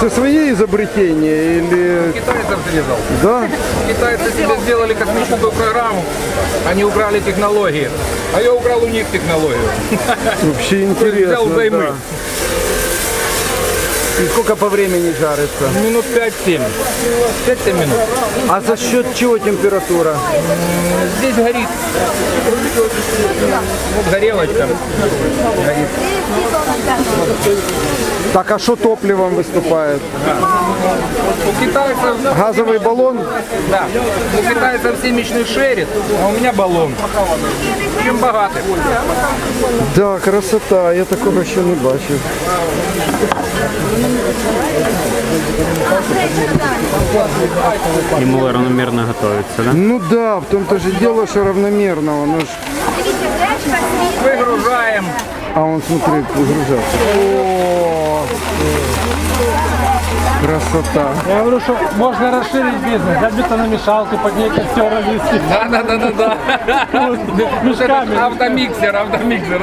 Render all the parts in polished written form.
Это свои изобретения или... Китайцев срезал. Да? Китайцы себе сделали космическую программу, они украли технологии. А я украл у них технологию. Вообще интересно. Взял взаймы. Да. И сколько по времени жарится? Минут 5-7. 5-7 минут. А за счет чего температура? Здесь горит. Вот горелочка. Горит. Так, а что топливом выступает? У китайцев... Газовый баллон? Да. У китайцев семечный шерит, а у меня баллон. Чем богаты. Да, красота, я такого ще не бачив. Ему равномерно готовится, да? Ну да, в том-то же дело, что равномерно. Оно ж... Выгружаем. А он, смотри, выгружается. О, красота. Я говорю, что можно расширить бизнес, взять бетономешалку, под ней костера вести. Да. Мешками. Автомиксер.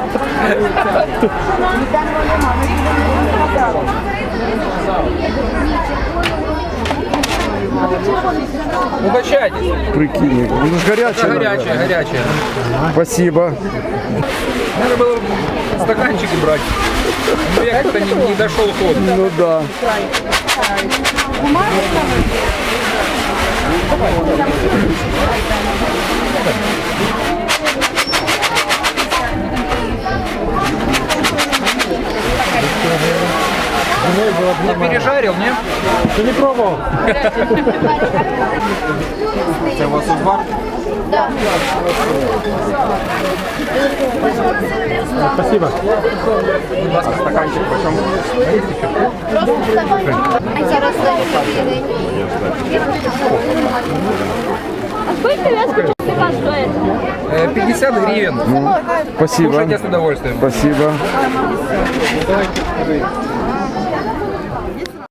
Угощайтесь. Прикинь, ну ж горячее. Горячее. Спасибо. Надо было стаканчики брать. Но я как-то не дошел ход. Ну да. Не пережарил, не? Ты не пробовал? Это у вас узвар? Спасибо. Будь ласка, стаканчик почем? А зараз гривень. А сколько вес пивка стоит? 50 гривен. Спасибо. Кушайте с удовольствием. Спасибо.